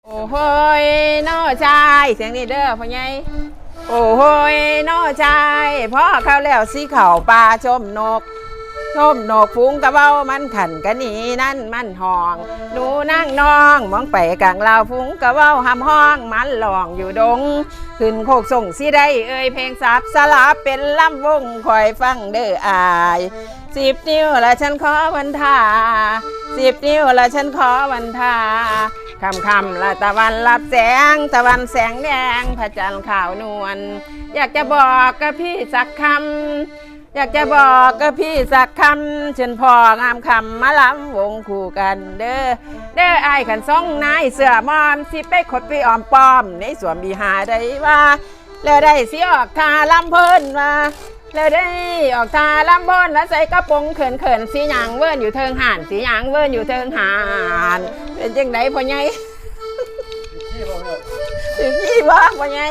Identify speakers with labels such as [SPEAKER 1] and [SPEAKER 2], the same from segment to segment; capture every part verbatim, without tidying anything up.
[SPEAKER 1] โอ้โหยน้อชายเสียงนี้เด้อพ่อใหญ่โอ้โหยน้อชายพ่อเข้าแล้วสีเข่าปลาชมนกชมนกฟุ้งกระเบ้ามันขันกันนี่นั่นมันห้องหนูนั่งน้องมองไปกลางลาวฟุ้งกระเบ้าหำห้องมันหลองอยู่ดงขึ้นโคกส่งสิได้เอ่ยเพลงสับสลับเป็นลำวงคอยฟังเด้ออายสิบนิ้วละฉันขอวันทาสิบนิ้วละฉันขอวันทาคำคำละตะวันรับแสงตะวันแสงแดงพระจันทร์ขาวนวลอยากจะบอกกับพี่สักคำอยากจะบอกกับพี่สักคำเชิญพ่องามคำมาล้ำวงคู่กันเด้อเด้อไอ้ขันซ่องนายเสือมอมสิไปขดไปออมปอมในสวมบีหาได้ว่าแล้วได้สิออกทาลำเพิ่นมาแล้วได้ออกทาลำเพิ่นแล้วใส่กระโปรงเขินเขินสีหยางเวิร์นอยู่เทิงห่านสีหยางเวิร์นอยู่เทิงห่านเป็นจังไดพ่อใหญ่ถึงขี้บ่พ่อใหญ่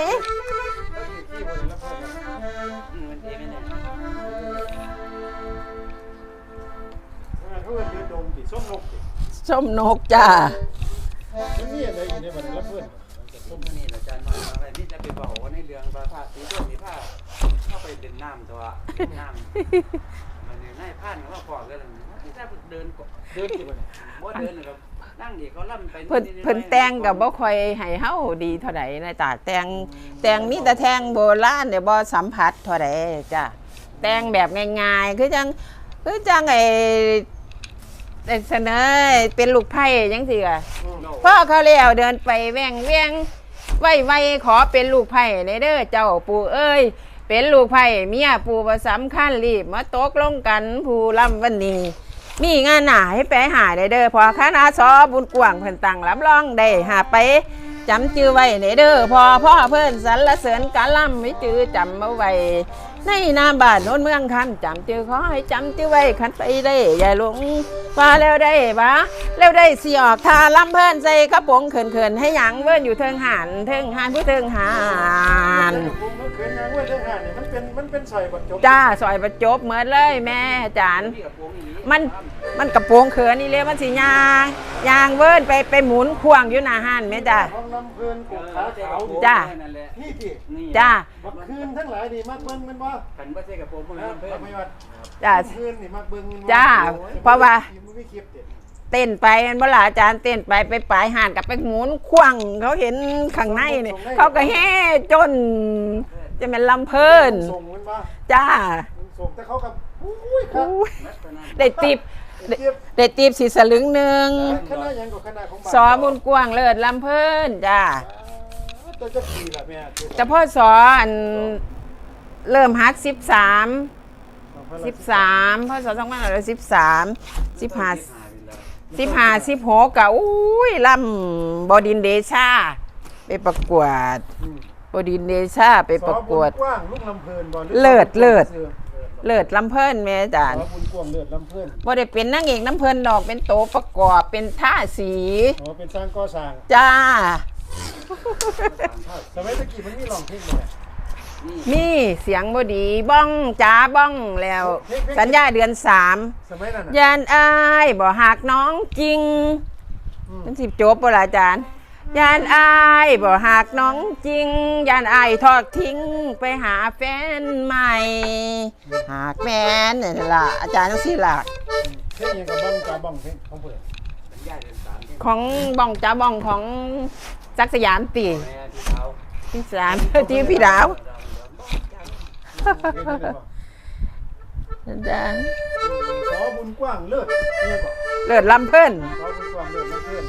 [SPEAKER 1] ส้มนกจ้า
[SPEAKER 2] นี่อะไรอยู่ในบันไดรับเพื่อนส้มนี่อาจารย์มาอะไรนี่จะไปบอกว่าในเรื่องผ้าสีส้มนี่ผ้าเข้าไปเดินน้ำตัวน้ำมันเนี่ยนายผ่านเขาบอกกันที่ถ้าเดินเดินอยู่เนี่ยว่าเดินนะครับนั่งดีเขาล่ำไป
[SPEAKER 1] เพิ่นเพิ่นแต่งกับบ่ค่อยให้เฮาดีเท่าใดนะจ้าแต่งแต่งมีแต่แทงโบราณเดี๋ยวบ่สัมผัสเท่าใดจ้าแต่งแบบง่ายๆคือจังคือจังไอ้เสนอเป็นลูกไผ่ยังสิอ่ะพ่อเขาเลี้ยวเดินไปแว่งเวียงไว้ไว้ขอเป็นลูกไผ่ในเด้อเจ้าปู่เอ้ยเป็นลูกไผ่เมียปู่ประสำคัญรีบมาตกลงกันผู้ลำวันนี้มีงานหนาให้ไปหาได้เด้อพอคณะสอบุญกว่างเพิ่นตั้งรับรองได้หาไปจำจื้อไว้ในเด้อพอพ่อเพิ่นสรรเสริญกะล่ำไม่จื้อจำเอาไว้ในนามบ้านโน้นเมืองคันจำจื้อขอให้จำจื้อไว้คันไปได้อย่าหลงว่าแล้วได้บ้าแล้วได้สิออกทาลำเพิ่นใส่กระโปรงเขินๆให้หยังเวิ้นอยู่เทิงหันเทิงหันผู้เทิงหัน
[SPEAKER 2] มันเป็นมันเป็นซอยประจบ
[SPEAKER 1] จ้าซอยประจบเหมือนเลยแม่จานมันมันกระโปรงเขินนี่เลยมันสิยางยางเวิ้นไปไปหมุนควงอยู่หน้าหันแม่จ้า
[SPEAKER 2] ห้องน้ำเพลินกบขาขาว
[SPEAKER 1] จ้า
[SPEAKER 2] นี่ที่
[SPEAKER 1] จ้า
[SPEAKER 2] บักคืนทั้งหลายนี่มักเบิ้งมันบ่ขันบ่ใช่กระโปรงพวกนั้นเพิ่นไม่ว่า
[SPEAKER 1] จ้า
[SPEAKER 2] คืนนี่มักเบิ้ง
[SPEAKER 1] จ้าเพราะว่าเต้นไปมันบ่ล่ะอาจารย์เต้นไปไปปลายห่านกับไปหมุนควงเขาเห็นข้างในนี่เขาก็แห่จนจะเป็นลำเพลินจ้า
[SPEAKER 2] ส่งแต่เขากับอุ้ยครับ
[SPEAKER 1] ได้ติบได้ติบสีสลึงหนึ่ง
[SPEAKER 2] คณะยังกับคณะของ
[SPEAKER 1] สอบุญกว้างเลิศลำเพลินจ้า
[SPEAKER 2] จะกี่ล่ะแม่
[SPEAKER 1] จะพ่อสออันเริ่มฮักสิบสามสิบสามพ่อสอสองพันห้าร้อยสิบสามสิบห้าสิบห้าสิบหกกะอุ้ยลำบดินเดชาไปประกวดบดินเดชาไปประกวดเลิศเลิศเลิศลำเพลินแม่อาจารย์บ่ได้เป็นนางเอกน้ำเพลินดอกเป็นโตประกอบเป็นท่าสี
[SPEAKER 2] อ๋อเป็นสร้างก่อสร้าง
[SPEAKER 1] จ้า
[SPEAKER 2] สมัยตะกี้มันมีร้องเพลงเลย
[SPEAKER 1] มีเสียงบดีบ้องจ้าบ้องแล้วสัญญาเดือนสามยานอายบ่หักน้องจริงเป็นสิบจบบ่ล่ะอาจารย์ยานอายบ่หักน้องจริงยานอายทอดทิ้งไปหาแฟนใหม่หากแฟนนี่ล่ะอาจารย์จังซี่ล่ะ
[SPEAKER 2] เพลงยังกับบ้องจ้าบ้องเพลงของเพิ่น
[SPEAKER 1] ของบ้องจ้าบ้องของจักรสยามตีพี่สามที่พี่ดาวอาจารย์
[SPEAKER 2] สอบุญกว้างเลิศเนี่ยก่อน
[SPEAKER 1] เลิศลำเพิ่น
[SPEAKER 2] สอบุญกว้างเลิศลำเพิ่น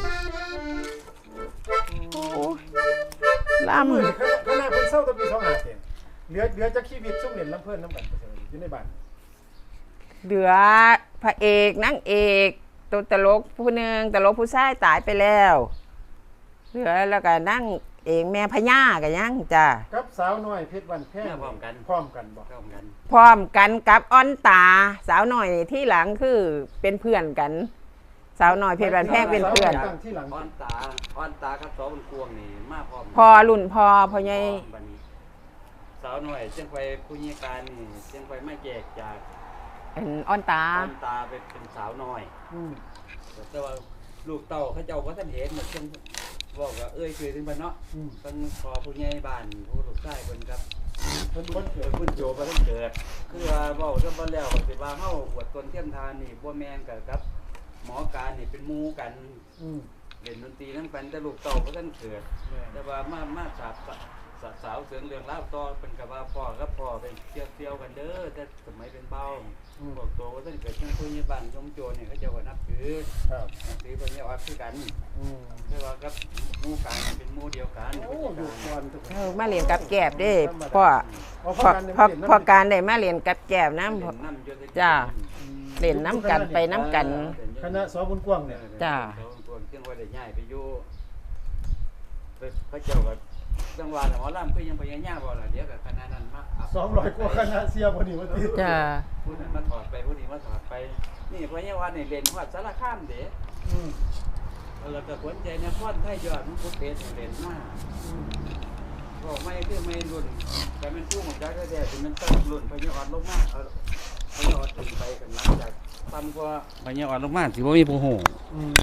[SPEAKER 1] ลำ
[SPEAKER 2] ขณะเพิ่นเศร้าตะปีสองห้าเต็มเหลือเหลือจะชีวิตสุ่มเหรียญลำเพิ่นน้ำกันอยู่ในบ้าน
[SPEAKER 1] เหลือพระเอกนางเอกตัวตลกผู้หนึ่งตลกผู้ชายตายไปแล้วเหลือแล้วก็นั่งเองแม่พญากันยังจ้า
[SPEAKER 2] กับสาวน้อยเพชรวันแพงพร้อมกันพร้อมกันบอกพร้อมกัน
[SPEAKER 1] พร้อมกันกับอ้อนตาสาวน้อยที่หลังคือเป็นเพื่อนกันสาวน้อยเพชรวันแพงเป็นเพื่อน
[SPEAKER 2] อ้อนตาอ้อนตากับสาวบุญกวงนี่มาพร้อม
[SPEAKER 1] พอรุ่นพอพอใหญ่
[SPEAKER 2] สาวน้อยเชียงไฟผู้ยิการนี่เชียงไฟไม่แจกจาก
[SPEAKER 1] เป็นอ้อนตา
[SPEAKER 2] อ้อนตาเป็นสาวน้อยแต่ว่าลูกเต่าเขาเจ้าก็ท่านเห็นเหมือนเชียงบอกก็เอ้ยเคยถึงบ้านเนาะ
[SPEAKER 3] อืม
[SPEAKER 2] เพิ่นขอผู้ใหญ่บ้านผู้ลูกชายเพิ่นครับ
[SPEAKER 3] เพิ่นวัน
[SPEAKER 2] เกิ
[SPEAKER 3] เกิ
[SPEAKER 2] ด
[SPEAKER 3] ด
[SPEAKER 2] เพิ่นโจบ่ทันเกิดคือว่าเว้าซะบ่แล้วก็สิว่าเฮาอวดตนเทียมทานนี่บ่แม่นกันครับ หมอการนี่เป็นหมู่กัน
[SPEAKER 3] อืม
[SPEAKER 2] เล่นดนตรีนำกันแต่ลูกเต้าบ่ทันเกิด
[SPEAKER 3] แม่น
[SPEAKER 2] แต่ว่ามามาสาบสาสาวเสริงเรื่องราวต่อเป็นกับว่าพ่อกับพ่อเป็นเที่ยวเที่ยวกันเด้อแต่สมัยเป็นเบาบอกตัวว่าท่านเกิดเช่นผู้ใหญ่บ้านยมโจรเนี่ยเขาเจะว่านับถือ
[SPEAKER 3] ครับ
[SPEAKER 2] นับถือพระเนี่ยออดคือกัน
[SPEAKER 3] อืม
[SPEAKER 2] แต่ว่ากับหมู่กันเป็นหมู่เดียวกัน
[SPEAKER 3] โอ้ลูกก่อนทุกค
[SPEAKER 1] เอน อมาเรียนกับแกบเด้พ่อ
[SPEAKER 3] อ๋อ
[SPEAKER 1] พ่อ
[SPEAKER 3] กันเนี่ย
[SPEAKER 1] พ่อ
[SPEAKER 3] เปลี่ยนน้ำ
[SPEAKER 1] พ่อการได้มาเรียนกับแกบ
[SPEAKER 2] น้ำ
[SPEAKER 1] น้ำพ่อ
[SPEAKER 2] น้ำอยู่ด้วย
[SPEAKER 1] จ้า
[SPEAKER 3] อืม
[SPEAKER 1] เล่นน้ำกันไปน้ำกัน
[SPEAKER 3] คณะสอบุญกว้างเนี่ย
[SPEAKER 1] จ้า
[SPEAKER 2] ตัวเที่ยงว่าได้ย้ายไปอยู่ไปพระเจ้าก็จังหวัดหมอลำคือยังไปยังย่าบ่ล่ะเดี๋ยวกับคณะนั้นมา
[SPEAKER 3] สองร้อยกว่าคณะเสียพอดีวันที่
[SPEAKER 1] จ้า
[SPEAKER 2] ผู้นั้นมาถอดไปผู้นี้มาถอดไป นี่พระเนี่ยวัดนี่เล่นฮอดสารคามเด้
[SPEAKER 3] อืม
[SPEAKER 2] แล้วก็ขวัญใจนครไทยยอดมันพุทธเพชรเล่นมาก
[SPEAKER 3] อืม
[SPEAKER 2] ก็ไม่คือไม่รุ่นแต่มันผู้ของจักรแท้ที่มันต้องรุ่นพญาอ่อนลงมาเอาพญาอ่อนถึงไปกันหลังจากต่ำกว่าพญาอ่อนลงมาสิบ่มีผู้ฮู้
[SPEAKER 3] อืม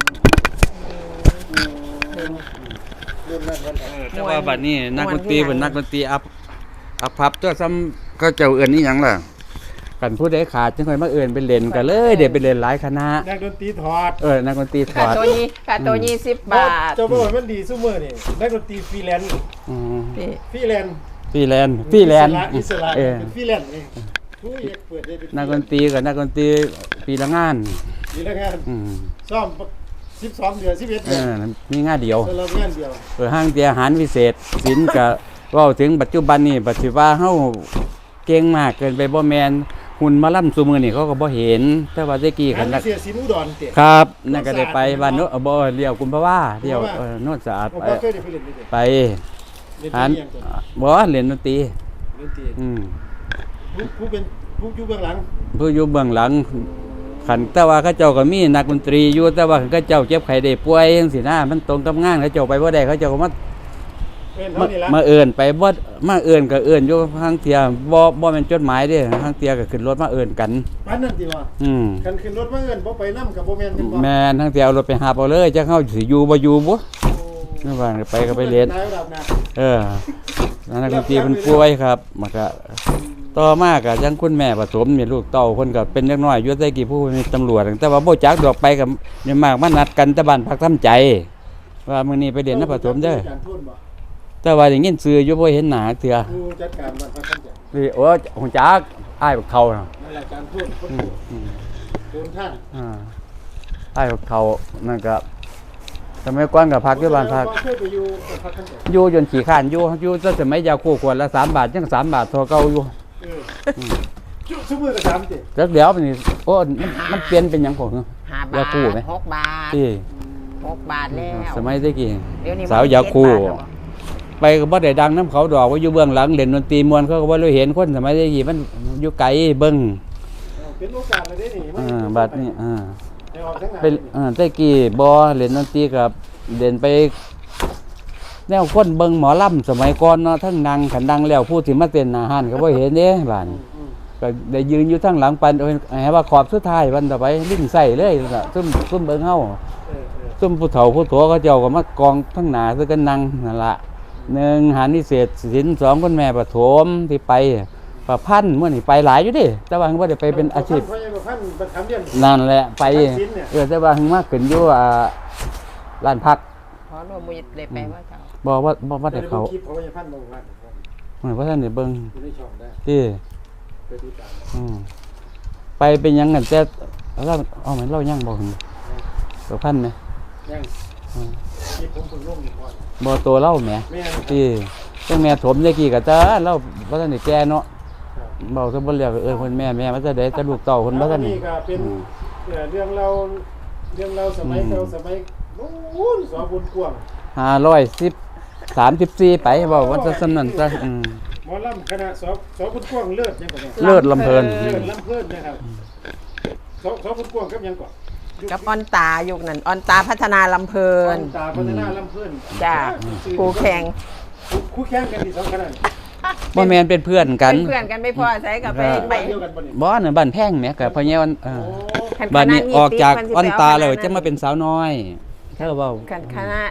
[SPEAKER 3] เรื่องเรื่องนั้นวันไหน
[SPEAKER 2] แต่ว่าบัดนี้นักดนตรีเป็นนักดนตรีอัพอัพพับตัวซ้ำก็เจ้าเอื่นนี่หยังล่ะกันผู้ใดขาดจังค่อยมาเอื่นไปเล่นกันเลยเดี๋ยวไปเล่นหลายคณะ
[SPEAKER 3] นักดนตรีถอด
[SPEAKER 2] เออนักดนตรีถ
[SPEAKER 1] ค่า
[SPEAKER 2] อด
[SPEAKER 1] ตัวนี้ค่าตัวยี่สิบบาท
[SPEAKER 3] เจ้าบ่ว่ามันดีซุมื้อนี่นักดนตรีฟรีแลนซ์
[SPEAKER 2] อืม
[SPEAKER 1] นี่
[SPEAKER 3] ฟรีแลนซ์
[SPEAKER 2] ฟรีแลนซ์ฟรีแลนซ์
[SPEAKER 3] อิสระ
[SPEAKER 2] เออ
[SPEAKER 3] เป็นฟรีแลนซ์เองผู้อยากเปิดได้เป็น
[SPEAKER 2] นักดนตรีกับนักดนตรีปีละงาน
[SPEAKER 3] มีแล้วงาน
[SPEAKER 2] อืม
[SPEAKER 3] ซ่อมสิบสองเดือนสิบเอ็ด
[SPEAKER 2] เอ
[SPEAKER 3] เดือน
[SPEAKER 2] อมีงานเดียว
[SPEAKER 3] สำหรับงานเดียว
[SPEAKER 2] เออห้างเตียอาหารพิเศษศิลป์ก็ เว้าถึงปัจจุบันนี่ปัจจุบันเฮาเก่งมากเกินไปบ่แม่นหุ่นหมาล่ำซุมื้อนี่เขาก็บ่เห็น แต่ว่าแต่กี้
[SPEAKER 3] งา
[SPEAKER 2] คั
[SPEAKER 3] น
[SPEAKER 2] นนัก
[SPEAKER 3] เสียสินอุดรเตะ
[SPEAKER 2] ครับนั่นก็ได้ไปบ้านโนนบ่เลี้ยวกุมภาวาเลี้ยวเออโนนสะอาด
[SPEAKER 3] ผม
[SPEAKER 2] ไป
[SPEAKER 3] ก็เคยได้ไปเล่นนี่เตะ
[SPEAKER 2] ไป
[SPEAKER 3] เล่น
[SPEAKER 2] หัน
[SPEAKER 3] ที่ยังตัว
[SPEAKER 2] บ่เล่นดนตรี
[SPEAKER 3] เล่นตี
[SPEAKER 2] อืม
[SPEAKER 3] ผู้ผู้เป็นผู้อยู่เบื้องหลัง
[SPEAKER 2] ผู้อยู่เบื้องหลังคันแต่ว่าเขาเจ้าก็มีนักดนตรีอยู่แต่ว่าคันเขาเจ้าเจ็บไข้ได้ป่วยจังซี่นะมันตรงกับงานเขาเจ้าไปบ่ได้เขาเจ้าก็มา
[SPEAKER 3] เอ็น
[SPEAKER 2] มา
[SPEAKER 3] เท่านี้ละ
[SPEAKER 2] มาเอิ้นไปบ่มาเอิ้นก็เอิ้นอยู่ทางเที่ยบ่บ่แม่นจดหมายเด้ทางเที่ยก็ขึ้นรถมาเอิ้นกัน
[SPEAKER 3] ปานนั้นติว่า
[SPEAKER 2] อืม
[SPEAKER 3] คันขึ้นรถมาเอิ้นบ่ไปนำกับบ่แม่นเป็นบ่
[SPEAKER 2] แม่นทางเที่ยวรถไปหาเอาเลยจักเฮาสิอยู่บ่อยู่บ่
[SPEAKER 3] โอ้
[SPEAKER 2] นั่นว่าไปก็ไปเรียน
[SPEAKER 3] นายระดับนะ
[SPEAKER 2] เออนักดนตรีเพิ่นป่วยครับมันก็ต่อมาก็จังคุณแม่ผสมนี่ลูกเต้าเพิ่นก็เป็นเล็กน้อยอยู่แต่กี้ผู้เป็นตำรวจแต่ว่าบ่จักดอกไปกับเนี่ยมากมานัดกันแต่บ้านพักทำใจ ว่ามื้อนี้ไปเรียนนผสมเด้อ
[SPEAKER 3] การทุนบ่
[SPEAKER 2] แต่ว่าได้ยินชื่ออยู่บ่เห็นหน้าเทื่อ
[SPEAKER 3] ผู้จัดการบ้านพักท่านจัง
[SPEAKER 2] นี่โอ้ฮู้จักอ้ายบักเขาน่ะ
[SPEAKER 3] นั่นแหละการทุนคน
[SPEAKER 2] อืมอืม
[SPEAKER 3] โดนท่าน
[SPEAKER 2] อ่าอ้ายบักเขานั่นก็สมัยก่อนก็พักอยู่บ้านพัก
[SPEAKER 3] เคยไปอยู่บ้านพักท่านจัง
[SPEAKER 2] อยู่จนขี้ข้านอยู่อยู่ตั้งสมัยยาคู่ขวดละสามบาทยังสามบาทเท่าเก่าอยู่
[SPEAKER 3] เออจุซุมื้อก็สามติ
[SPEAKER 2] จักเดี๋ยวนี่โอ้มันมันเปลี่ยนเป็นหยังของ
[SPEAKER 1] ห้าบา
[SPEAKER 2] ยา
[SPEAKER 1] ท
[SPEAKER 2] คู่ไหม
[SPEAKER 1] หกบาท
[SPEAKER 2] ที่
[SPEAKER 1] หกบาทแล้ว
[SPEAKER 2] สมัยตะกี้
[SPEAKER 1] เดี๋ยวนี้
[SPEAKER 2] สาวยาคู
[SPEAKER 1] เจ็ดบทแล้ว
[SPEAKER 2] ไปก็บ่ได้ดังน้ำเขาดอกว่าอยู่เบื้องหลังเล่นดนตรีมวนเขาก็บ่รู้เห็นคนสมัยตะกี้มันอยู่ไกลเบิ่ง
[SPEAKER 3] เป็นโอกาสเลยเด้นี่
[SPEAKER 2] อ่าบัดนี้อ่า
[SPEAKER 3] ให้ออกทั้งหลาย
[SPEAKER 2] เป็นอ่าตะกี้บ่เล่นดนตรีกับเล่นไปแนวคนเบิ่งหมอลำสมัยก่อนเนาะทั้งนางขันดังแล้วผู้ที่มาเต้นหน้าห้านก็บ่เห็นเด้บัดนี้
[SPEAKER 3] อืม
[SPEAKER 2] ก็ได้ยืนอยู่ทั้งหลังปันเอาให้ว่าขอบสุดท้ายวันต่อไปลิ้นใส่เลยล่ะซุ่มซุ่มเบิ่งเฮา
[SPEAKER 3] เออเออ
[SPEAKER 2] ซุ่มผู้เฒ่าผู้โตเขาเจ้าก็มากองทั้งหน้าซื้อกันนั่งนั่นล่ะหนึ่งหานิเศษศิลป์สองคุณแม่ปฐมที่ไปประพันธ์มื้อนี้ไปหลายอยู่เดิแต่ว่าเพิ่นบ่ได้ไปเป็นอาชีพ
[SPEAKER 3] เพราะยังบ่พันประคำเรียน
[SPEAKER 2] นั่นแหละไป
[SPEAKER 3] ประพันธ์ศิลป์เนี่ย
[SPEAKER 2] เออแต่ว่าเพิ่นมาขึ้นอยู่อ่าร้านพัก
[SPEAKER 1] ขอรวมมือเลยไปว่าเจ้า
[SPEAKER 2] บ่ว่าบ่ว่าได้เขา
[SPEAKER 3] คลิปเพราะว่ายังพันบ่ว่า
[SPEAKER 2] เหมือนว่าท่านได้เบิ่ง
[SPEAKER 3] อยู่ในช่องได้
[SPEAKER 2] ที่
[SPEAKER 3] ไปติดตาม
[SPEAKER 2] อืมไปเป็นหยังกันแต่เราเอาเหมือนเรายังบ่ถึงประพันธ์ไหม
[SPEAKER 3] ยัง
[SPEAKER 2] อืม
[SPEAKER 3] คลิปผมเพิ่งลงนี่ก่อน
[SPEAKER 2] บ่โตเล่าแหม
[SPEAKER 3] แม่น
[SPEAKER 2] ที่จังแม่ถมได้กี่ก็จ้าเราบ่ทันได้แก่เนาะ
[SPEAKER 3] ครับ
[SPEAKER 2] เว้าซะบ่แล้วก็เอิ้นเพิ่นแม่แม่มาจะได้แต่ลูกเต้าเพิ่นบ่ทัน
[SPEAKER 3] นี่ก็เป็นเอ่อเรื่องเราเรื่องเราสมัยเก่าสมัยนู้นสอบุญกวาง
[SPEAKER 2] ห้าร้อยสิบ สามสิบสี่ไปเว้าว่าซะซั่นนั้นซะอืม
[SPEAKER 3] หมอลำคณะสอสอบุญกวางเลิศยังก่อนเนี่ย
[SPEAKER 2] เลิศลำเพลิน
[SPEAKER 3] เลิศลำเพลินนะครับสอสอบุญกวางกับยังก่อน
[SPEAKER 1] กับออนตายุคนั้นออนตาพัฒนาลำเพลิน
[SPEAKER 3] ตาพัฒนาลำเพลิน
[SPEAKER 1] จ้าคู่แข่ง
[SPEAKER 3] คู่แข่งกันที่สองคณะ
[SPEAKER 2] บ่แม่นเป็นเพื่อนกัน
[SPEAKER 1] เป็นเพื่อนกันไม่พอใช้กับไป
[SPEAKER 2] ครับ
[SPEAKER 1] ไป
[SPEAKER 3] เดียวกันบ่เนี่ย
[SPEAKER 2] บ่น่ะบ้านแพงแหมก็พะแยวันเออ
[SPEAKER 3] โอ้
[SPEAKER 1] คัน
[SPEAKER 2] บัดนี้
[SPEAKER 1] คณะ
[SPEAKER 2] ออกจาก
[SPEAKER 1] สิ
[SPEAKER 2] อ้อน
[SPEAKER 1] ไปเ
[SPEAKER 2] ตาแล้ว
[SPEAKER 1] คณะ
[SPEAKER 2] จะมาเป็นสาวน้อยเธอเว้า
[SPEAKER 1] คันคณะ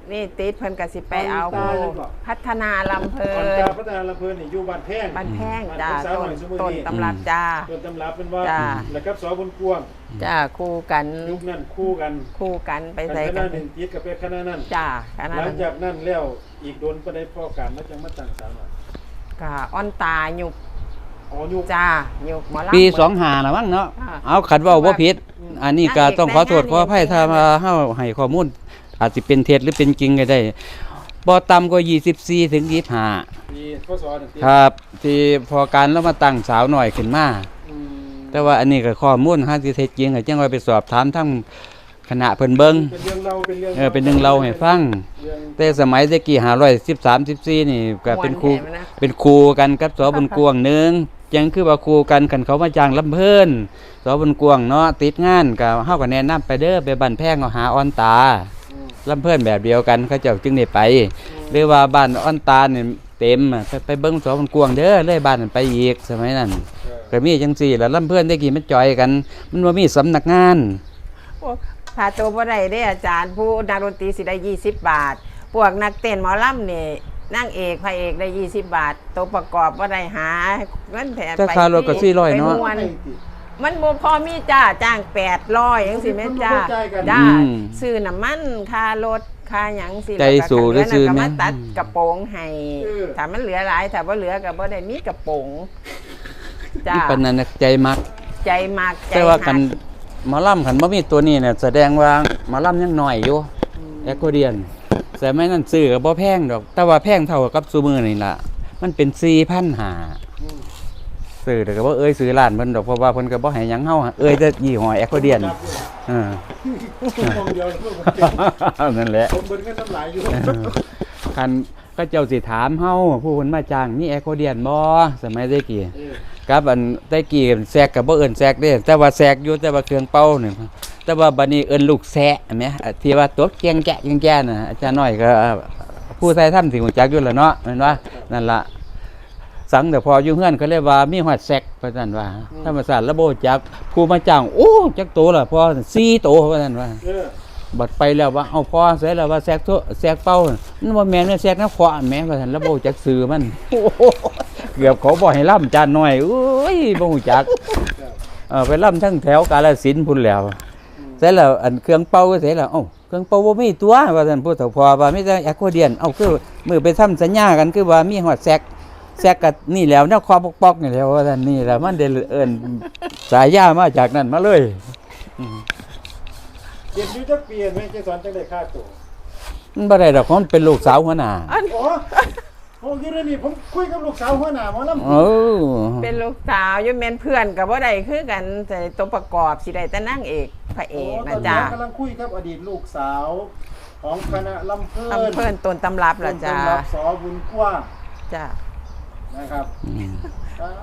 [SPEAKER 1] นี่ติดเพิ่นก็สิไปเอา
[SPEAKER 3] ตายังบ่
[SPEAKER 1] พัฒนาลำเพลิ
[SPEAKER 3] อ่อน
[SPEAKER 1] น
[SPEAKER 3] ตาพัฒนาลำเพลินนี่อยู่บ้านแพง
[SPEAKER 1] บ้านแพงจ้า
[SPEAKER 3] บ้น
[SPEAKER 1] ต้
[SPEAKER 3] ห
[SPEAKER 1] น
[SPEAKER 3] อยสมุ
[SPEAKER 1] ต้น
[SPEAKER 3] นี่
[SPEAKER 1] ตำรับจ้า
[SPEAKER 3] ต้นตำรับเป็นว่า
[SPEAKER 1] จ้า
[SPEAKER 3] แล้วกับสอบนกวาง
[SPEAKER 1] จ้าคู่กัน
[SPEAKER 3] ยุคนั้นคู่กัน
[SPEAKER 1] คู่กันไป
[SPEAKER 3] ค
[SPEAKER 1] ใส่
[SPEAKER 3] ณะ
[SPEAKER 1] กัน
[SPEAKER 3] หนึ่งติดกับไปคณะนั้น
[SPEAKER 1] จ้าคณะ
[SPEAKER 3] หลัง
[SPEAKER 1] นั้น
[SPEAKER 3] จากนั้นแล้วอีกโดนประเด็นพ่อการมาจังมาตั้งสาวหน่อย
[SPEAKER 1] ก็อ้อนตาหยุก
[SPEAKER 3] อ๋อยุค
[SPEAKER 1] จ้าหยุกหมอลำ
[SPEAKER 4] ปีสองห้านะมั้งเนาะ
[SPEAKER 1] อ่า
[SPEAKER 4] เอาขัดเว่าบ่ผิด
[SPEAKER 3] อืม
[SPEAKER 4] อันนี้ก็ต้องขอโทษขออภัยถ้ามาเฮาให้ข้อมูลอาจสิเป็นเท็จหรือเป็นจริงก็ได้บ่ต่ำกว่ายี่สิบสี่ถึงยี่สิบห้า
[SPEAKER 3] ปีพศหนึ่งติด
[SPEAKER 4] ครับ ที่พอการแล้วมาตั้งสาวหน่อยขึ้นมา
[SPEAKER 3] อืม
[SPEAKER 4] แต่ว่าอันนี้ก็ข้อมูลหาสิเท็จจริงก็จังว่าไปสอบถามทั้งคณะเพิ่นเบิ่ง
[SPEAKER 3] เป็นเรื่องเราเป็นเรื่อง
[SPEAKER 4] เออเป็นเรื่องเล่าให้ฟัง
[SPEAKER 3] เรื่อง
[SPEAKER 4] แต่สมัยตะกี้ห้าร้อยสิบสาม สิบสี่นี่ก็เป็นครู
[SPEAKER 1] ม่วนแท้นะ
[SPEAKER 4] เป็นครูกันกับสอบุญกวงหนึงยังคือว่าครูกันคันเขามาจ้างลำเพิ่นสอบุญกวงเนาะติดงานก็เฮาก็แนะนำไปเด้อไปบ้านแพงเอาหาออนตา
[SPEAKER 3] อืม
[SPEAKER 4] ลำเพิ่นแบบเดียวกันเขาเจ้าจึงได้ไป หรือว่าบ้านออนตาเนี่ยเต็มอะไปไปเบิ่งสอบุญกวงเด้อเลยบ้านนั้นไปอีกสมัยนั้น
[SPEAKER 3] เออ
[SPEAKER 4] ก็มีจังซี่แหล้วลำเพิ่นได้กี่มันจอยกัน มันบ่มีสำนักงาน
[SPEAKER 1] พวกถ้าตัวบ่ได้ได้อาจารย์ผู้นักดนตรีสิได้ยี่สิบบาท พวกนักเต้นหมอลำนี่นางเอกพระเอกได้ยี่สิบบาท ตัวประกอบบ่ได้หาเงินแถม
[SPEAKER 4] ถ้า
[SPEAKER 1] ไป
[SPEAKER 4] ค่ารถก็สี่ร้อยเนาะ
[SPEAKER 1] ไปม่วน
[SPEAKER 3] ไม่ติด
[SPEAKER 1] มันบ่พอมีจ้าจ้างแปดร้อยจังซี่แม่นจ้า
[SPEAKER 3] มันบ่เข้าใจกัน
[SPEAKER 1] จ้า
[SPEAKER 4] อืม
[SPEAKER 1] ซื้อน้ำมันค่ารถค่าหยังสิ
[SPEAKER 4] ใจสู้หรือซื้อ
[SPEAKER 1] ก็
[SPEAKER 4] แม่
[SPEAKER 1] มาน ตัดกระโปรงให้
[SPEAKER 3] เออ
[SPEAKER 1] ถ้ามันเหลือหลายถ้าบ่เหลือก็บ่ได้มีกระโปรงจ้า
[SPEAKER 4] ปานนั้นน่ะใจมัก
[SPEAKER 1] ใจมากใจ
[SPEAKER 4] แต่ว่ากัน
[SPEAKER 1] หัก
[SPEAKER 4] หมอลำขันบ่มีตัวนี้เนี่ยแสดงว่าหมอลำยังน้อยอยู่แอคโคเดียนแต่ไม่นั่นซื้อก็บ่แพงดอก แต่ว่าแพงเท่ากับซูมือนี่ล่ะมันเป็น สี่พันห้าร้อย
[SPEAKER 3] อืม
[SPEAKER 4] ซื้อแต่ก็บ่เอ้ยซื้อร้านเพิ่นดอกเพราะว่าเพิ่นก็บ่ให้หยังเฮาเอ้ยแต่ยี่ห้อแอคโคเดียนเออ
[SPEAKER 3] มองเดียวเพิ่งผมเก่ง
[SPEAKER 4] นั่นแหละ
[SPEAKER 3] ผมเบิ่งกันน้ำลายอยู่
[SPEAKER 4] คันก็เจ้าสิถามเฮาผู้เพิ่นมาจ้างมีแอคโคเดียนบ่สมัยตะกี้
[SPEAKER 3] เออ
[SPEAKER 4] กับอันตะกี้แซกก็บ่เอิ้นแซกเด้แต่ว่าแซกอยู่แต่ว่าเครื่องเป่านี่แต่ว่าบัดนี้เอิ้นลูกแซะแหมที่ว่าตบเกียงแกะเกียงแกะน่ะอาจารย์น้อยก็ผู้ไทยทำสิรู้จักอยู่แล้วเนาะแม่นว่านั่นล่ะสังแต่พออยู่เฮือนเขาเรียกว่ามีฮอดแซกว่าซั่นว่าธรรมศาสตร์ระบบจักผู้มาจ้างโอ้จักโตล่ะพอสี่โตว่าซั่นว่า
[SPEAKER 3] เออ
[SPEAKER 4] บัดไปแล้วว่าเอาพอเสร็จแล้วว่าแซกโตแซกเป่ามันบ่แม่นแซกน้ำขวาแม่ว่าซั่นระบบจักซื้อมันโอ้โหเกือบเขาบ่ให้ล่ำจานน้อยโอ้ยบ่ฮู้จัก เออไปล่ำทั้งแถวกาฬสินธุ์พุ่นแล้วเสร็จแล้วอันเครื่องเป่าก็เสร็จแล้วเอ้าเครื่องเป่าบ่มีตัวว่าท่านผู้เฒ่าพอว่ามีแต่แอคโคเดียนเอ้าคือมือไปทำสัญญากันคือว่ามีฮอดแซกแซกก็นี่แล้วแนวคอปอกๆนี่แหล้วว่าท่านนี่แหละมันได้เอิ้นสายยามาจากนั้นมาเลยอืม
[SPEAKER 3] เรียนอยู่จักปีเห็นไหมเจสอนจังได้ค่าตัว
[SPEAKER 4] มันบ่ได้ดอกเพราะมันเป็นลูกสาวหัวหน้า
[SPEAKER 1] อัน
[SPEAKER 3] อ๋อโอ้ยอยู่ในนี่ผมคุยกับลูกสาวหัวหน้าหมอลำ
[SPEAKER 4] เออ
[SPEAKER 1] เป็นลูกสาวอยู่แม่นเพื่อนก็บ่ได้คือกันแต่ตัวประกอบสิได้แต่นางเอกพระเอกนะจ้า
[SPEAKER 3] ตอนนี้กำลังคุยกับอดีตลูกสาวของคณะลำเพลิน
[SPEAKER 1] ตำเพิ่นต้นตำรับล่ะจ้า
[SPEAKER 3] ต้นตำรับสอบุญกว้าง
[SPEAKER 1] จ้า
[SPEAKER 3] นะครับ
[SPEAKER 4] อืม
[SPEAKER 3] อ่า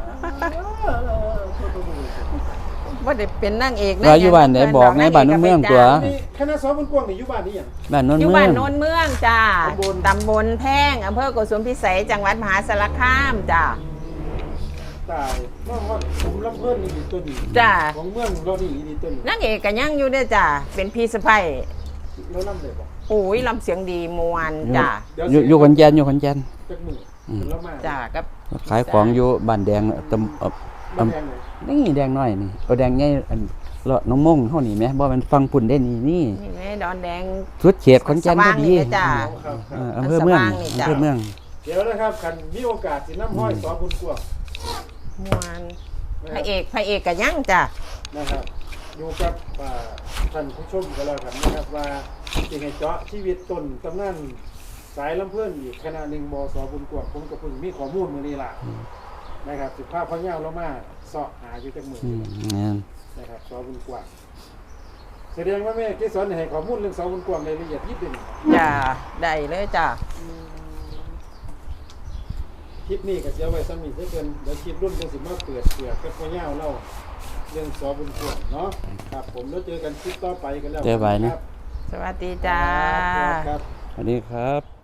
[SPEAKER 1] บ่ได้เป็นนางเอก
[SPEAKER 4] ว่าอยู่บ้านไหนบอกในบ้านเมืองตัว
[SPEAKER 3] นี่คณะสอบุญกว้างนี่อยู่บ้านนี่หยัง
[SPEAKER 4] บ้านโนน
[SPEAKER 1] อยู่
[SPEAKER 4] เมื
[SPEAKER 1] บ้า
[SPEAKER 4] อน ง
[SPEAKER 1] โนนเมืองจ้า
[SPEAKER 3] ตำบล
[SPEAKER 1] ตำบลแพงอำเภอโกสุมพิสัยจังหวัดมหาสารคามจ้า
[SPEAKER 3] ตายว่าว่าผมลำเพิ่นนี่ดีตัวนี้
[SPEAKER 1] จ้า
[SPEAKER 3] ของเมืองเรานี่ดีตัวนี้
[SPEAKER 1] นางเอกก็ยังอยู่เด้อจ้าเป็นพี่สะใภ้
[SPEAKER 3] เราลำเลยบอก
[SPEAKER 1] โอ้ยลำเสียงดีมวนจ้า
[SPEAKER 3] เดี๋ยว
[SPEAKER 4] อยู่อยู่ขอนแก่นอยู่ขอนแก่น
[SPEAKER 3] จักมือ
[SPEAKER 4] อืม
[SPEAKER 3] แล้วมา
[SPEAKER 1] จ้ากับ
[SPEAKER 4] ขายของอยู่บ้านแดงตำเอ่อ
[SPEAKER 3] บ้านแดงไหน
[SPEAKER 4] นี่แดงน้อยนี่เอาแดงใหญ่อันเลาะน้องมงเฮานี่แหมบ่มันฟังปุ่นได้นี่นี่
[SPEAKER 1] นี่แม่ดอนแดง
[SPEAKER 4] สุดเขตขอนแก่นพอดี
[SPEAKER 1] สว่างนี่จ้ะ
[SPEAKER 3] ครับค
[SPEAKER 4] เอ
[SPEAKER 3] รับ
[SPEAKER 4] ออำเภอเมือง
[SPEAKER 1] สว่างนี่จ้ะ
[SPEAKER 4] อำเภอเมือง
[SPEAKER 3] เดี๋ยวนะครับคันมีโอกาสสิน้ำห้อยสอบุญกว้าง
[SPEAKER 1] มวนพระเอกพระเอกก็ยังจ้า
[SPEAKER 3] นะครับอยู่กับอ่าท่านผู้ชมกันแล้วกันนะครับว่าสิให้เจาะชีวิตต้นตำนานสายลำเพื่อนอีกคณะหนึ่งบสบุญกว้างผมกับเพิ่งมีข้อมูลมื้อนี้ล่ะนะครับสิภาพพะเยาวเรามาเสาะหาอยู่จักมื้อ
[SPEAKER 4] อืมงั้น
[SPEAKER 3] นะครับสอบุญกว้างแสดงว่าแม่เกสรให้ข้อมูลเรื่องสอบุญกว้างในละเอียดยิบเป็น
[SPEAKER 1] จ้าได้เลยจ้า
[SPEAKER 3] คลิปนี้ก็เสียไว้ซ้ำนี่เพื่อนเดี๋ยวคลิปรุ่นจังสิมาเปิดเปลือกกับพะเยาวเล่าเรื่องสอบุญกว้างเนาะครับผมแล้วเจอกันคลิปต่อไปกันแล้ว
[SPEAKER 4] เจอไปนะ
[SPEAKER 3] ครับ
[SPEAKER 1] สวัสดีจ้า
[SPEAKER 3] ครับ
[SPEAKER 4] สวัสดีครับ